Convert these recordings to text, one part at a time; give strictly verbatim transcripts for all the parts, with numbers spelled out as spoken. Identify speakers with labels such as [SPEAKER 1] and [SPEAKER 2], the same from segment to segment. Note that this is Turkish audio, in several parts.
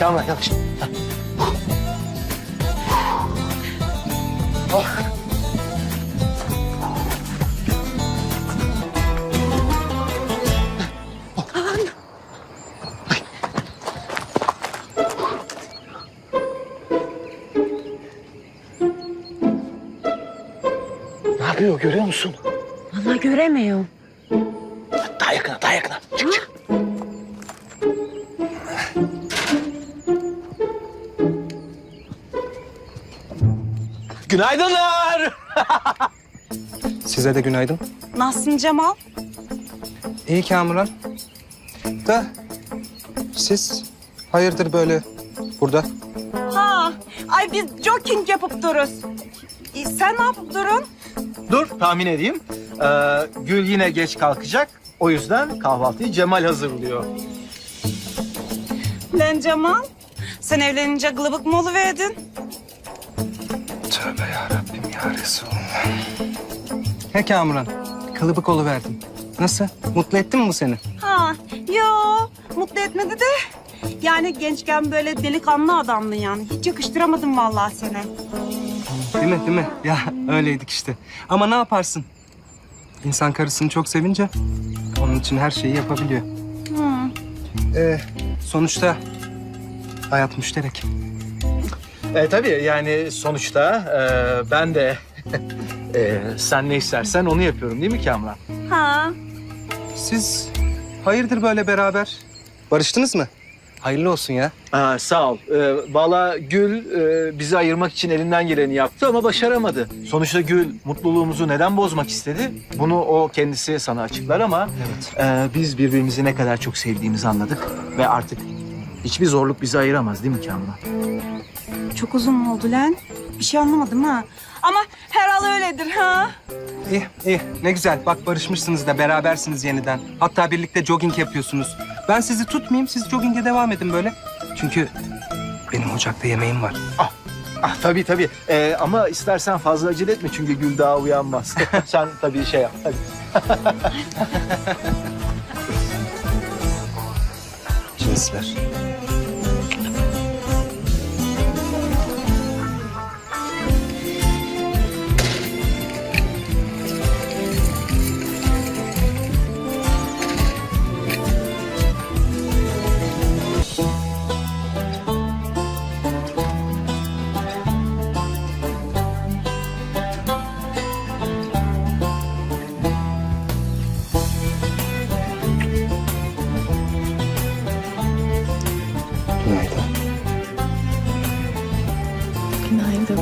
[SPEAKER 1] Kamran yavaş. Oh. Ne yapıyor görüyor musun?
[SPEAKER 2] Vallahi göremiyorum.
[SPEAKER 1] Daha yakına, daha yakına. Çık çık. Günaydınlar.
[SPEAKER 3] Size de günaydın.
[SPEAKER 2] Nasılsın Cemal?
[SPEAKER 3] İyi Kamuran. Da siz hayırdır böyle burada?
[SPEAKER 2] Ha, ay biz jogging yapıp dururuz. E, sen ne yapıp durun?
[SPEAKER 1] Dur tahmin edeyim. Ee, Gül yine geç kalkacak. O yüzden kahvaltıyı Cemal hazırlıyor.
[SPEAKER 2] Lan Cemal, sen evlenince gılıbık mı oluverdin?
[SPEAKER 3] Tövbe yarabbim ya Resulallah. He Kamuran, kılıbık oluverdim. Nasıl? Mutlu etti mi bu seni?
[SPEAKER 2] Ha, yo, mutlu etmedi de. Yani gençken böyle delikanlı adamdın yani. Hiç yakıştıramadım vallahi seni.
[SPEAKER 3] Değil mi, değil mi? Ya öyleydik işte. Ama ne yaparsın? İnsan karısını çok sevince onun için her şeyi yapabiliyor.
[SPEAKER 2] Hı.
[SPEAKER 3] Ee, sonuçta hayat müşterek.
[SPEAKER 1] E, tabii yani sonuçta e, ben de e, sen ne istersen onu yapıyorum değil mi Kamran?
[SPEAKER 2] Ha,
[SPEAKER 3] Siz hayırdır böyle beraber? Barıştınız mı? Hayırlı olsun ya.
[SPEAKER 1] Aa, sağ ol. Ee, Valla Gül e, bizi ayırmak için elinden geleni yaptı ama başaramadı. Sonuçta Gül mutluluğumuzu neden bozmak istedi? Bunu o kendisi sana açıklar ama
[SPEAKER 3] Evet.
[SPEAKER 1] e, biz birbirimizi ne kadar çok sevdiğimizi anladık ve artık hiçbir zorluk bizi ayıramaz değil mi Kamran?
[SPEAKER 2] çok uzun mu oldu lan? Bir şey anlamadım ha. Ama herhal öyledir ha.
[SPEAKER 3] İyi, iyi. Ne güzel. Bak barışmışsınız da berabersiniz yeniden. Hatta birlikte jogging yapıyorsunuz. Ben sizi tutmayayım, siz jogging'e devam edin böyle. Çünkü benim ocakta yemeğim var.
[SPEAKER 1] Ah tabii tabii. Ee, ama istersen fazla acele etme çünkü Gül daha uyanmaz. Sen tabii şey yap. Hadi.
[SPEAKER 3] Cinsler. Günaydın.
[SPEAKER 4] Günaydın.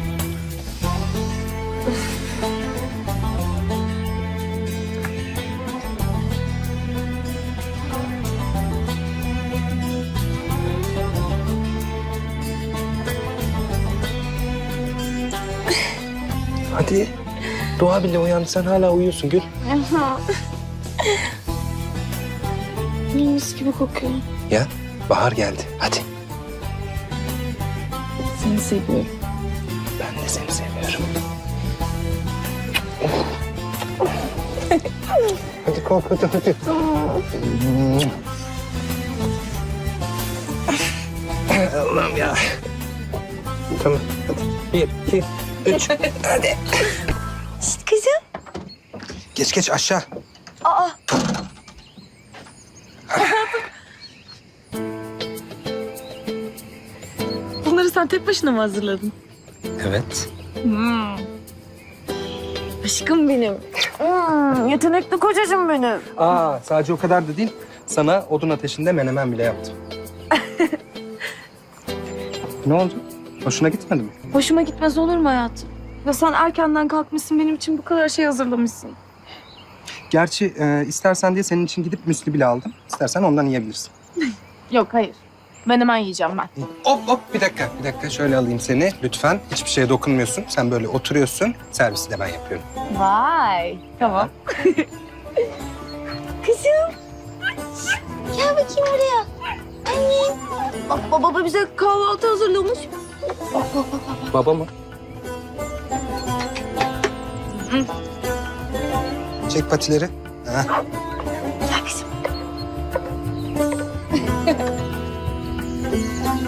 [SPEAKER 3] Hadi. Doğa bile uyandı. Sen hala uyuyorsun Gül.
[SPEAKER 4] Mis gibi kokuyor.
[SPEAKER 3] Ya bahar geldi. Hadi.
[SPEAKER 4] Seni seviyorum.
[SPEAKER 3] Ben de seni seviyorum. Hadi kalk hadi hadi. Allah'ım ya. Tamam hadi. Bir, iki, üç. Hadi.
[SPEAKER 2] Şişt kızım.
[SPEAKER 3] Geç geç aşağı.
[SPEAKER 2] Aa,
[SPEAKER 4] Bunları sen tek başına mı hazırladın?
[SPEAKER 3] Evet.
[SPEAKER 4] Hmm. Aşkım benim. Hmm, yetenekli kocacığım benim.
[SPEAKER 3] Aa sadece o kadar da değil. Sana odun ateşinde menemen bile yaptım. Ne oldu? Hoşuna gitmedi mi?
[SPEAKER 4] Hoşuma gitmez olur mu hayatım? Ya sen erkenden kalkmışsın, benim için bu kadar şey hazırlamışsın.
[SPEAKER 3] Gerçi e, istersen diye senin için gidip müsli bile aldım. İstersen ondan yiyebilirsin.
[SPEAKER 4] Yok, hayır. Ben hemen yiyeceğim ben.
[SPEAKER 3] Hop hop bir dakika bir dakika şöyle alayım seni lütfen. Hiçbir şeye dokunmuyorsun. Sen böyle oturuyorsun. Servisi de ben yapıyorum.
[SPEAKER 4] Vay. Tamam.
[SPEAKER 2] kızım. Gel bakayım buraya. Annem. Bak baba bize kahvaltı hazırlamış. Bak bak bak bak.
[SPEAKER 3] Baba mı? Çek patileri. Ha.
[SPEAKER 2] Gel kızım.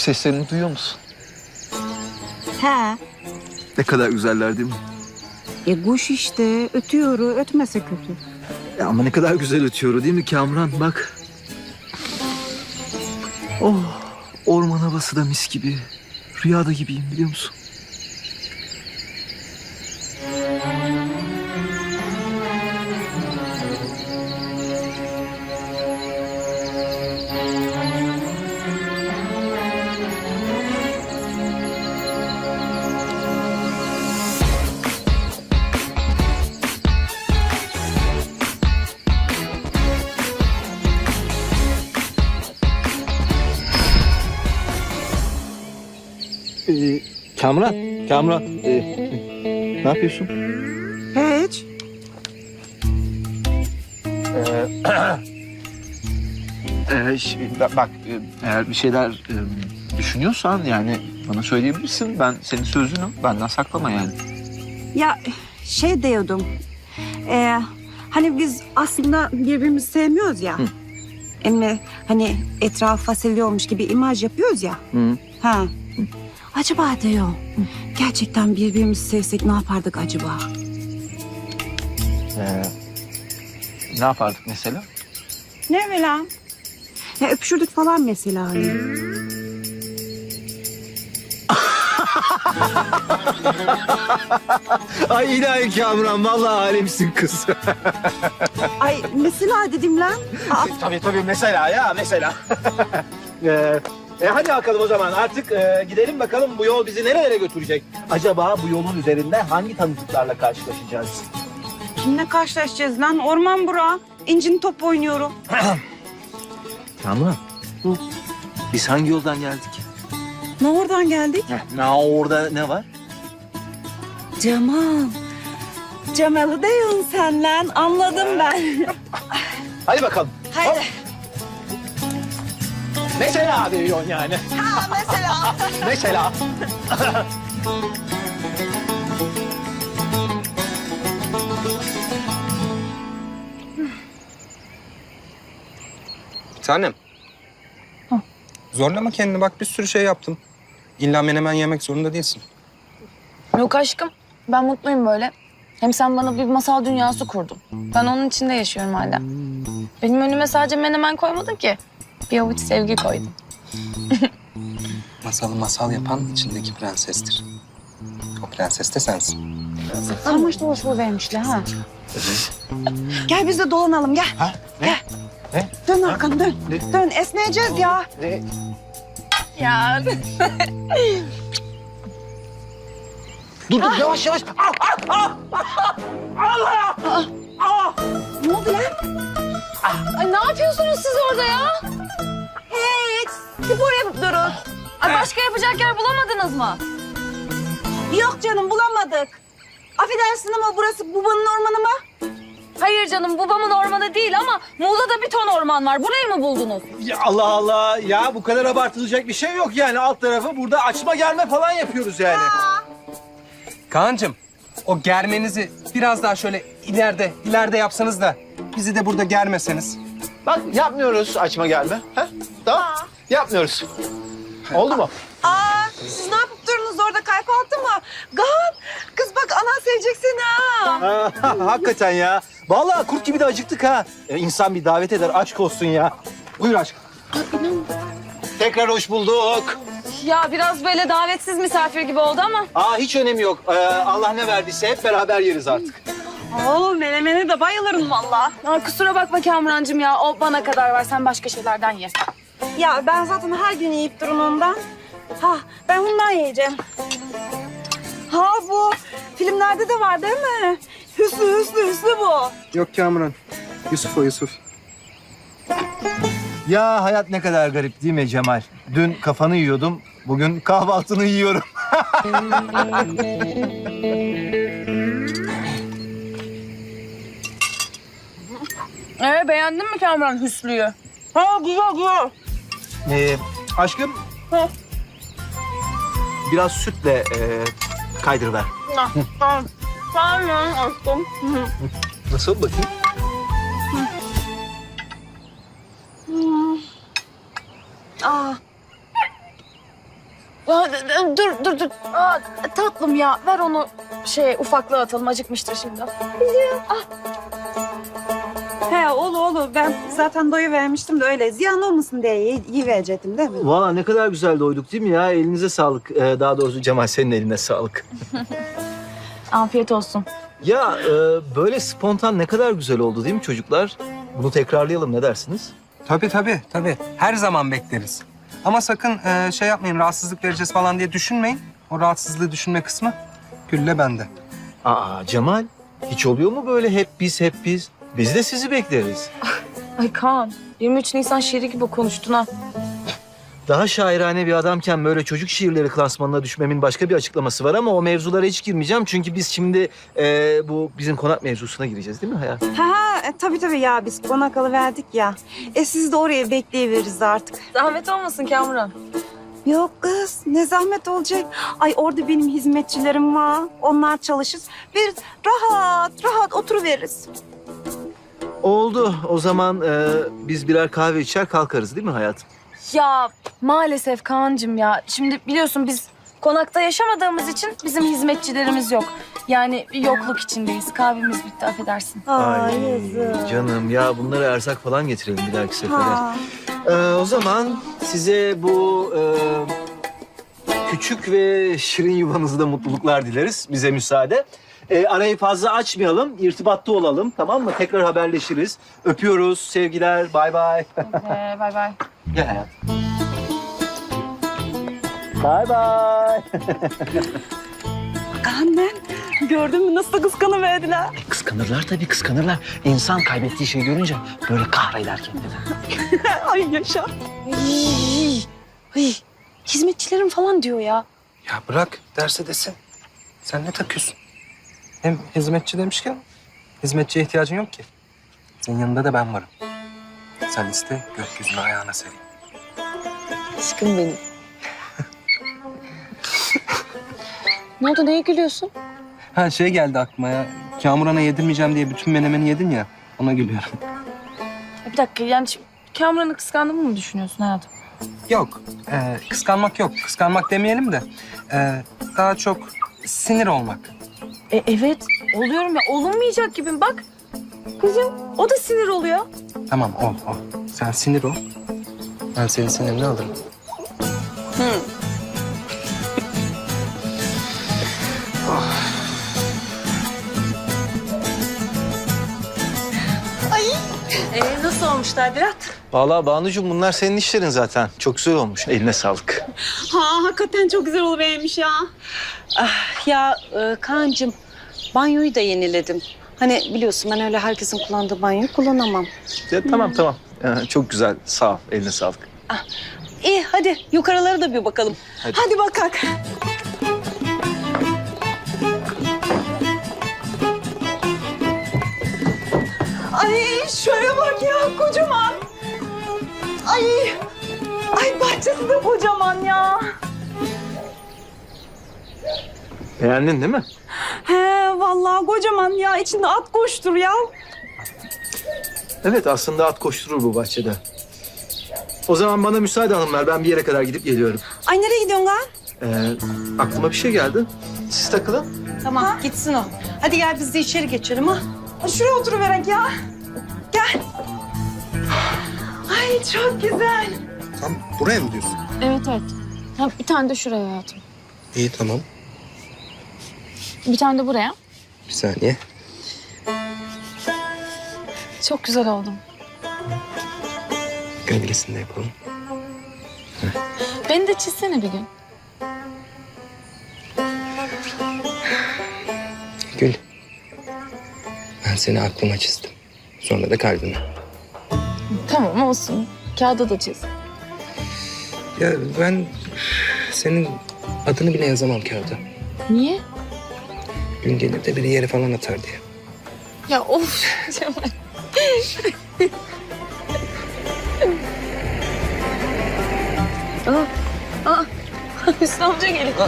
[SPEAKER 1] seslerini duyuyor musun?
[SPEAKER 5] He.
[SPEAKER 1] Ne kadar güzeller değil mi?
[SPEAKER 5] E kuş işte ötüyor, ötmese kötü.
[SPEAKER 1] Ya ama ne kadar güzel ötüyor değil mi Kamran? Bak. Oh, orman havası da mis gibi. Rüyada gibiyim biliyor musun? Ee, Kamran, Kamran. ee, ne yapıyorsun?
[SPEAKER 5] Hiç.
[SPEAKER 1] Ee, ş- ba- bak, e, eğer bir şeyler e, düşünüyorsan yani bana söyleyebilirsin. Ben senin sözünü benden saklama yani.
[SPEAKER 5] Ya şey diyordum. E, hani biz aslında birbirimizi sevmiyoruz ya.
[SPEAKER 1] Hı.
[SPEAKER 5] Ama hani etraf fasulye gibi imaj yapıyoruz ya.
[SPEAKER 1] Hı.
[SPEAKER 5] Ha. Acaba diyor. Gerçekten birbirimizi sevsek ne yapardık acaba?
[SPEAKER 1] Ee, ne yapardık mesela?
[SPEAKER 5] Ne böyle? Ya öpüşürdük falan mesela hani.
[SPEAKER 1] Ay ilahi Kamran, vallahi alemsin kız.
[SPEAKER 5] Ay mesela dedim lan. Aa,
[SPEAKER 1] tabii tabii mesela ya mesela. ee, e hadi bakalım o zaman artık e, gidelim bakalım bu yol bizi nerelere götürecek? Acaba bu yolun üzerinde hangi tanıdıklarla karşılaşacağız?
[SPEAKER 5] kimle karşılaşacağız lan? Orman bura. İncin top oynuyorum.
[SPEAKER 1] Kamran.
[SPEAKER 5] Hı.
[SPEAKER 1] Biz hangi yoldan geldik?
[SPEAKER 5] Ne oradan geldik?
[SPEAKER 1] Ne orada ne var?
[SPEAKER 5] Cemal. Cemal'ı diyorsun sen lan. Anladım ben.
[SPEAKER 1] Hadi bakalım.
[SPEAKER 5] Haydi.
[SPEAKER 1] Mesela diyorsun yani.
[SPEAKER 5] Ha mesela.
[SPEAKER 1] Mesela.
[SPEAKER 3] Bir tanem. Zorlama kendini, bak bir sürü şey yaptım. İlla menemen yemek zorunda değilsin.
[SPEAKER 4] Yok aşkım. Ben mutluyum böyle. Hem sen bana bir masal dünyası kurdun. Ben onun içinde yaşıyorum hala. Benim önüme sadece menemen koymadın ki. Bir avuç sevgi koydun.
[SPEAKER 3] Masalı masal yapan içindeki prensestir. O prenses de sensin.
[SPEAKER 5] Sarmaş dolaş bu vermişler ha. Gel biz de dolanalım gel.
[SPEAKER 1] Ha? Ne?
[SPEAKER 5] Gel.
[SPEAKER 1] Ne?
[SPEAKER 5] Dön arkanı dön.
[SPEAKER 1] Ne?
[SPEAKER 5] Dön esneyeceğiz ya.
[SPEAKER 1] Ne?
[SPEAKER 4] Ya
[SPEAKER 1] Dur dur yavaş yavaş.
[SPEAKER 5] Ne oldu lan?
[SPEAKER 4] Ay ne yapıyorsunuz siz orada ya?
[SPEAKER 5] Hiç. Spor yapıp durun.
[SPEAKER 4] Ay başka yapacak yer bulamadınız mı?
[SPEAKER 5] Yok canım bulamadık. Affedersin ama burası babanın ormanı mı?
[SPEAKER 4] Hayır canım babamın ormanı değil ama Muğla'da bir ton orman var. Burayı mı buldunuz?
[SPEAKER 1] Ya Allah Allah ya bu kadar abartılacak bir şey yok yani alt tarafı burada açma germe falan yapıyoruz yani.
[SPEAKER 3] Kaan'cığım, o germenizi biraz daha şöyle ileride, ileride yapsanız da bizi de burada germeseniz.
[SPEAKER 1] Bak yapmıyoruz açma gelme. Ha? Tamam. Yapmıyoruz. Oldu mu?
[SPEAKER 5] Aa, siz ne yapıp durunuz orada kalp altı mı? Kaan, kız bak anan sevecek seni ha.
[SPEAKER 1] Ha, hakikaten ya. Vallahi kurt gibi de acıktık ha. E, İnsan bir davet eder aşk olsun ya. Buyur aşkım. Tekrar hoş bulduk.
[SPEAKER 4] Ya biraz böyle davetsiz misafir gibi oldu ama.
[SPEAKER 1] Aa hiç önemi yok. Ee, Allah ne verdiyse hep beraber yeriz artık.
[SPEAKER 5] Oo, menemene de bayılırım vallahi.
[SPEAKER 4] Aa, kusura bakma Kamurancığım ya. O bana kadar var. Sen başka şeylerden ye.
[SPEAKER 5] Ya ben zaten her gün yiyip durun ondan. Ha, ben bundan yiyeceğim. Ha bu filmlerde de var değil mi? Hüsnü, Hüsnü, Hüsnü bu.
[SPEAKER 3] Yok Kamuran, Yusuf o Yusuf.
[SPEAKER 1] Ya hayat ne kadar garip değil mi Cemal? Dün kafanı yiyordum, bugün kahvaltını yiyorum.
[SPEAKER 4] Ee, beğendin mi Kamuran Hüsnü'yü?
[SPEAKER 5] Ha güzel güzel.
[SPEAKER 1] Ee, aşkım.
[SPEAKER 5] Ha.
[SPEAKER 1] Biraz sütle e, kaydırıver.
[SPEAKER 5] Tamam. Tamam aşkım.
[SPEAKER 1] Nasıl bakayım?
[SPEAKER 5] Aa.
[SPEAKER 4] Aa, dur dur dur. Aa, tatlım ya ver onu şey ufaklığa atalım acıkmıştır şimdi.
[SPEAKER 5] He oğlu oğlu ben zaten doyu vermiştim de öyle ziyan olmasın diye yi- yiyiverecektim değil mi?
[SPEAKER 1] Valla ne kadar güzel doyduk değil mi ya? Elinize sağlık. Ee, daha doğrusu Cemal senin eline sağlık.
[SPEAKER 4] Afiyet olsun.
[SPEAKER 1] Ya e, böyle spontan ne kadar güzel oldu değil mi çocuklar? Bunu tekrarlayalım ne dersiniz?
[SPEAKER 3] Tabii tabii tabii. Her zaman bekleriz. Ama sakın e, şey yapmayın, rahatsızlık vereceğiz falan diye düşünmeyin. O rahatsızlığı düşünme kısmı Gül'le bende.
[SPEAKER 1] Aa Cemal, hiç oluyor mu böyle hep biz hep biz? Biz de sizi bekleriz.
[SPEAKER 4] Ay Kaan yirmi üç Nisan şiiri gibi konuştun ha.
[SPEAKER 1] Daha şairane bir adamken böyle çocuk şiirleri klasmanına düşmemin başka bir açıklaması var ama o mevzulara hiç girmeyeceğim. Çünkü biz şimdi e, bu bizim konak mevzusuna gireceğiz değil mi Hayat?
[SPEAKER 5] Ha ha e, tabii tabii ya biz konakalı verdik ya. E siz de oraya bekleyiveririz artık.
[SPEAKER 4] Zahmet olmasın Kamuran.
[SPEAKER 5] Yok kız ne zahmet olacak. Ay orada benim hizmetçilerim var. Onlar çalışır. Biz rahat rahat oturuveririz.
[SPEAKER 1] Oldu. O zaman e, biz birer kahve içer kalkarız değil mi hayatım?
[SPEAKER 4] Ya maalesef Kaan'cığım ya. Şimdi biliyorsun biz konakta yaşamadığımız için bizim hizmetçilerimiz yok. Yani bir yokluk içindeyiz. Kahvemiz bitti affedersin.
[SPEAKER 5] Ay, yazık.
[SPEAKER 1] Canım ya bunlara erzak falan getirelim bir dahaki sefere.
[SPEAKER 5] Ha.
[SPEAKER 1] Ee, o zaman size bu e, küçük ve şirin yuvanızda mutluluklar dileriz. Bize müsaade. Ee, arayı fazla açmayalım, irtibatta olalım tamam mı? Tekrar haberleşiriz. Öpüyoruz, sevgiler, bay bay.
[SPEAKER 4] Ee, bay bay.
[SPEAKER 1] Gel hayatım. Bay bay.
[SPEAKER 5] Annen gördün mü nasıl da kıskanıverdiler.
[SPEAKER 1] Kıskanırlar tabii kıskanırlar. İnsan kaybettiği şeyi görünce böyle kahreder kendini.
[SPEAKER 5] Ay yaşa.
[SPEAKER 4] Ay, ay, hizmetçilerim falan diyor ya.
[SPEAKER 3] Ya bırak derse desin. Sen ne takıyorsun? Hem hizmetçi demişken hizmetçiye ihtiyacın yok ki. Senin yanında da ben varım. Sen iste gökyüzünü ayağına sereyim.
[SPEAKER 4] Aşkım benim. Ne oldu neye gülüyorsun?
[SPEAKER 3] Ha şey geldi aklıma ya. Kamuran'a yedirmeyeceğim diye bütün menemeni yedin ya. Ona gülüyorum.
[SPEAKER 4] Bir dakika yani şimdi Kamuran'ı kıskandığımı mı düşünüyorsun hayatım?
[SPEAKER 3] Yok. e, kıskanmak yok. Kıskanmak demeyelim de. e, daha çok sinir olmak.
[SPEAKER 4] E, evet oluyorum ya olunmayacak gibiyim bak. Kızım o da sinir oluyor.
[SPEAKER 3] Tamam ol ol. Sen sinir ol. Ben senin sinirini alırım.
[SPEAKER 5] Ee, nasıl olmuş Tadilat?
[SPEAKER 1] Vallahi Banucuğum bunlar senin işlerin zaten. Çok güzel olmuş. Eline sağlık.
[SPEAKER 5] Ha hakikaten çok güzel oluvermiş ya.
[SPEAKER 6] Ah, ya e, Kaan'cığım banyoyu da yeniledim. Hani biliyorsun ben öyle herkesin kullandığı banyoyu kullanamam.
[SPEAKER 1] Ya, tamam tamam. Ee, çok güzel. Sağ ol. Eline sağlık.
[SPEAKER 6] İyi hadi yukarılara da bir bakalım.
[SPEAKER 1] Hadi.
[SPEAKER 5] Hadi bakak. Ay şöyle bak ya kocaman. Ay. Ay bahçesi de kocaman ya.
[SPEAKER 1] Beğendin değil mi?
[SPEAKER 5] He vallahi kocaman ya. İçinde at koştur ya.
[SPEAKER 1] Evet aslında at koşturur bu bahçede. O zaman bana müsaade hanımlar. Ben bir yere kadar gidip geliyorum.
[SPEAKER 5] Ay nereye gidiyorsun lan?
[SPEAKER 1] Ee, aklıma bir şey geldi. Siz takılın.
[SPEAKER 6] Tamam gitsin o. Hadi gel biz de içeri geçelim ha.
[SPEAKER 5] Ay, şuraya oturuverek ya. Gel. Ay çok güzel.
[SPEAKER 3] Tam buraya mı diyorsun?
[SPEAKER 4] Evet evet. Ha, bir tane de şuraya hayatım.
[SPEAKER 3] İyi tamam.
[SPEAKER 4] Bir tane de buraya.
[SPEAKER 3] Bir saniye.
[SPEAKER 4] Çok güzel oldum.
[SPEAKER 3] Gölgesini de yapalım.
[SPEAKER 4] Beni de çizsene bir gün.
[SPEAKER 3] Gül. Ben seni aklıma çizdim. Sonra da kalbime.
[SPEAKER 4] Tamam olsun. Kağıda da çiz.
[SPEAKER 3] Ya ben senin adını bile yazamam kağıda.
[SPEAKER 4] Niye?
[SPEAKER 3] Gün gelir de biri yere falan atar diye.
[SPEAKER 4] Ya of Cemal. Aa, aa. Hüsnü amca geliyor.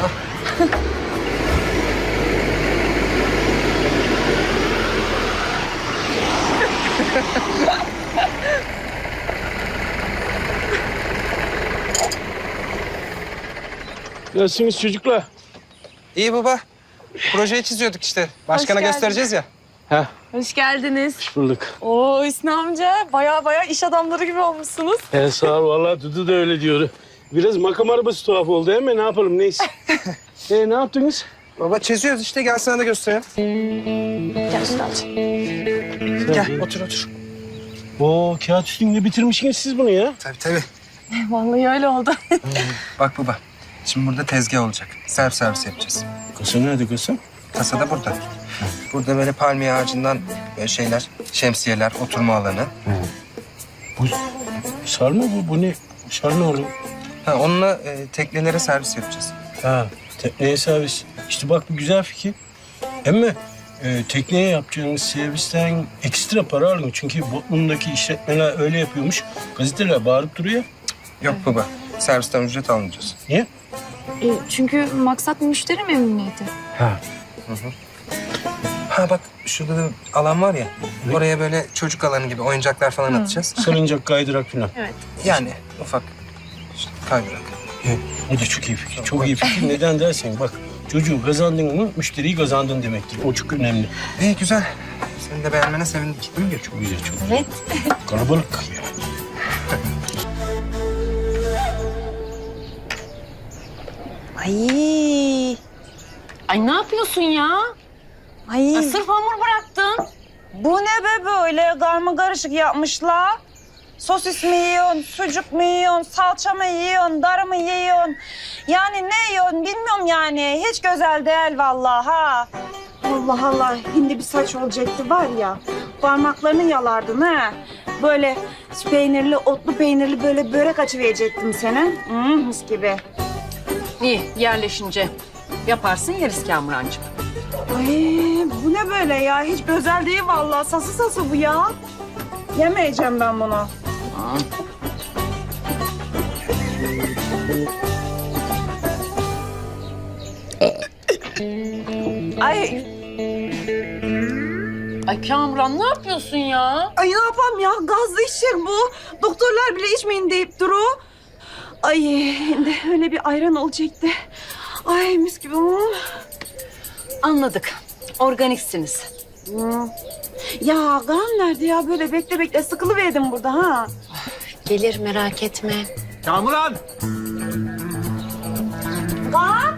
[SPEAKER 7] Nasılsınız çocuklar?
[SPEAKER 3] İyi baba. Projeyi çiziyorduk işte. Başkana
[SPEAKER 4] geldin.
[SPEAKER 3] göstereceğiz ya.
[SPEAKER 7] Ha,
[SPEAKER 4] Hoş geldiniz.
[SPEAKER 7] bulduk.
[SPEAKER 4] Oo Hüsnü amca baya baya iş adamları gibi olmuşsunuz.
[SPEAKER 7] He sağ ol vallahi Dudu da öyle diyor. Biraz makam arabası tuhaf oldu değil mi? Ne yapalım neyse. e, ne yaptınız?
[SPEAKER 3] Baba çiziyoruz işte. Gel sana da göstereyim.
[SPEAKER 4] Gel Hüsnü amca.
[SPEAKER 3] Gel otur otur.
[SPEAKER 7] Oo kağıt üstünde bitirmişsiniz siz bunu ya.
[SPEAKER 3] Tabii tabii.
[SPEAKER 4] Vallahi öyle oldu.
[SPEAKER 3] Bak baba. Şimdi burada tezgah olacak. Servis servis yapacağız.
[SPEAKER 7] Kasa nerede kasa?
[SPEAKER 3] Kasa da burada. Burada böyle palmiye ağacından böyle şeyler, şemsiyeler, oturma alanı.
[SPEAKER 7] Bu sarma bu. Bu ne? Sarma oğlum.
[SPEAKER 3] Ha, onunla e, teknelere servis yapacağız.
[SPEAKER 7] Ha, tekneye servis. İşte bak bu güzel fikir. Ama e, tekneye yapacağınız servisten ekstra para alın. Çünkü Botman'daki işletmeler öyle yapıyormuş. Gazeteler bağırıp duruyor.
[SPEAKER 3] Yok baba. Servisten ücret almayacağız.
[SPEAKER 7] Niye?
[SPEAKER 4] E, çünkü maksat müşteri memnuniyeti.
[SPEAKER 7] Ha.
[SPEAKER 3] Ha bak şurada da alan var ya. Oraya böyle çocuk alanı gibi oyuncaklar falan atacağız.
[SPEAKER 7] Salıncak, kaydırak falan.
[SPEAKER 3] Yani ufak işte kaydırak.
[SPEAKER 7] Evet, o da çok iyi fikir. Çok iyi fikir. Neden dersen bak çocuğu kazandın mı müşteriyi kazandın demektir. O çok önemli.
[SPEAKER 3] İyi güzel. Senin de beğenmene sevindik.
[SPEAKER 7] Değil mi? Çok güzel, çok
[SPEAKER 4] Evet.
[SPEAKER 7] kalabalık yani.
[SPEAKER 6] Ay.
[SPEAKER 5] Ay ne yapıyorsun ya?
[SPEAKER 6] Ay.
[SPEAKER 5] Ay, sırf hamur bıraktın.
[SPEAKER 6] Bu ne be böyle karma karışık yapmışlar? Sosis mi yiyorsun, sucuk mu yiyorsun, salça mı yiyorsun, darı mı yiyorsun? Yani ne yiyorsun bilmiyorum yani. Hiç güzel değil vallahi ha. Allah Allah, hindi bir saç olacaktı var ya. Parmaklarını yalardın ha. Böyle peynirli, otlu peynirli böyle börek açıverecektim sana. Hmm, mis gibi.
[SPEAKER 5] İyi yerleşince yaparsın yeriz Kamurancığım.
[SPEAKER 6] Ay bu ne böyle ya? Hiç güzel değil vallahi. Sası sası bu ya. Yemeyeceğim ben bunu. Ay,
[SPEAKER 5] Ay Kamuran ne yapıyorsun ya?
[SPEAKER 6] ay ne yapayım ya? Gazlı içecek bu. Doktorlar bile içmeyin deyip duru. Ay şimdi öyle bir ayran olacaktı. Ay mis gibi.
[SPEAKER 5] Anladık. Organiksiniz.
[SPEAKER 6] Hmm. Ya kan nerede ya? Böyle bekle bekle sıkılıverdim burada ha.
[SPEAKER 5] Gelir merak etme.
[SPEAKER 1] Kamuran!
[SPEAKER 6] Kan?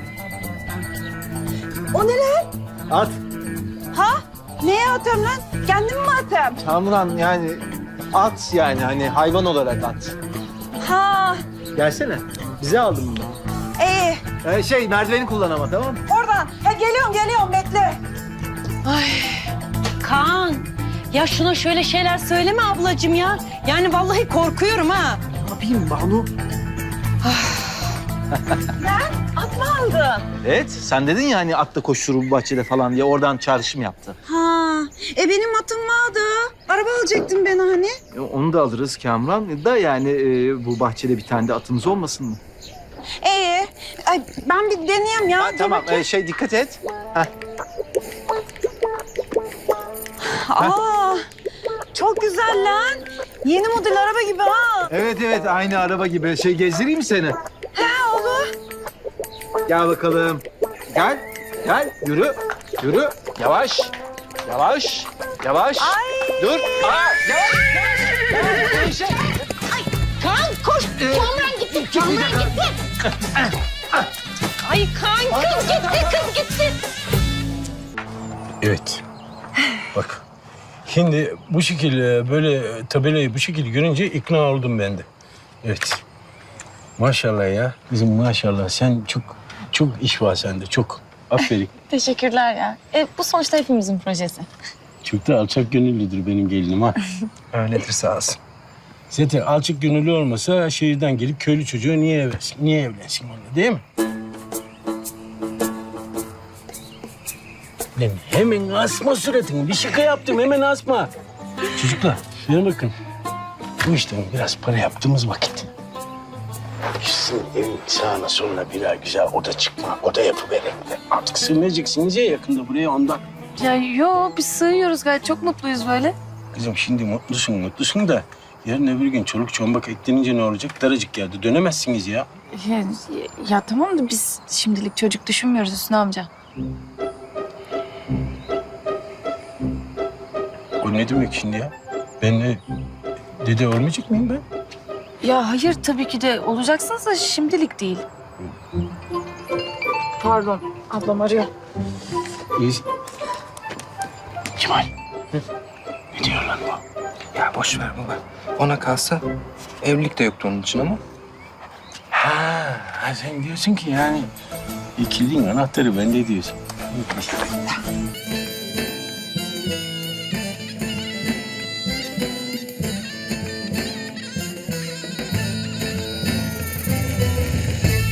[SPEAKER 6] O ne lan?
[SPEAKER 1] At.
[SPEAKER 6] Ha? Neye atıyorum lan? Kendim mi atayım?
[SPEAKER 1] Kamuran yani at yani hani hayvan olarak at.
[SPEAKER 6] Ha,
[SPEAKER 1] Gelsene. Bize aldın bunu.
[SPEAKER 6] iyi.
[SPEAKER 1] Ee, şey merdiveni kullan ama tamam mı?
[SPEAKER 6] Oradan. Ha, geliyorum, geliyorum. Bekle.
[SPEAKER 5] Kaan ya şuna şöyle şeyler söyleme ablacığım ya. Yani vallahi korkuyorum ha.
[SPEAKER 1] Ne yapayım Banu?
[SPEAKER 6] At mı aldın?
[SPEAKER 1] Evet sen dedin ya hani atla koşturur bu bahçede falan diye oradan çağrışım yaptı.
[SPEAKER 6] Ha, e benim atım vardı. Araba alacaktın beni hani.
[SPEAKER 1] E, onu da alırız Kamuran. Da yani e, bu bahçede bir tane de atımız olmasın mı?
[SPEAKER 6] İyi. Ay, ben bir deneyeyim ya.
[SPEAKER 1] Ha,
[SPEAKER 6] Dur
[SPEAKER 1] tamam
[SPEAKER 6] bakayım.
[SPEAKER 1] e, şey dikkat et.
[SPEAKER 6] Aa, çok güzel lan. Yeni model araba gibi ha.
[SPEAKER 1] Evet evet aynı araba gibi. Şey gezdireyim mi seni?
[SPEAKER 6] Ha, olur.
[SPEAKER 1] Gel bakalım. Gel. Gel. Yürü. Yürü. Yavaş. Yavaş. Yavaş.
[SPEAKER 6] Ay.
[SPEAKER 1] Dur. Aa, yavaş. Yavaş. Yavaş. Şey.
[SPEAKER 5] Kaan koş. Kamuran gitti. Kamuran gitti. Ay Kaan kız gitti kız gitti.
[SPEAKER 7] Evet. Bak. Şimdi bu şekilde böyle tabelayı bu şekilde görünce ikna oldum ben de. Evet. Maşallah ya. Kızım maşallah. Sen çok çok iş var sende. Çok. Aferin.
[SPEAKER 4] Teşekkürler ya. E, bu sonuçta hepimizin projesi.
[SPEAKER 7] Çok da alçak gönüllüdür benim gelinim ha.
[SPEAKER 3] Öyledir sağ olsun.
[SPEAKER 7] Zaten alçak gönüllü olmasa şehirden gelip köylü çocuğu niye evlensin? Niye evlensin onunla değil mi? Lan hemen asma suratını. Bir şaka yaptım hemen asma. Çocuklar şuna bakın. Bu işten biraz para yaptığımız vakit. Sizin evin sağına soluna birer güzel oda çıkma, oda yapıverelim de. Artık sığınacaksınız ya yakında buraya ondan.
[SPEAKER 4] Ya yo biz sığıyoruz gayet çok mutluyuz böyle.
[SPEAKER 7] Kızım şimdi mutlusun mutlusun da Yarın öbür gün çoluk çombak eklenince ne olacak? Daracık yerde dönemezsiniz ya.
[SPEAKER 4] Ya, ya tamam da biz şimdilik çocuk düşünmüyoruz Hüsnü amca.
[SPEAKER 7] O ne demek şimdi ya? Ben de dede olmayacak mıyım ben?
[SPEAKER 4] Ya hayır tabii ki de olacaksınız da şimdilik değil. Pardon ablam arıyor.
[SPEAKER 7] İyi. Kemal. Ne diyor lan bu?
[SPEAKER 3] Ya boş ver baba. Ona kalsa evlilik de yoktu onun için ama.
[SPEAKER 7] Ha, ha sen diyorsun ki yani ikiliğin anahtarı bende diyorsun.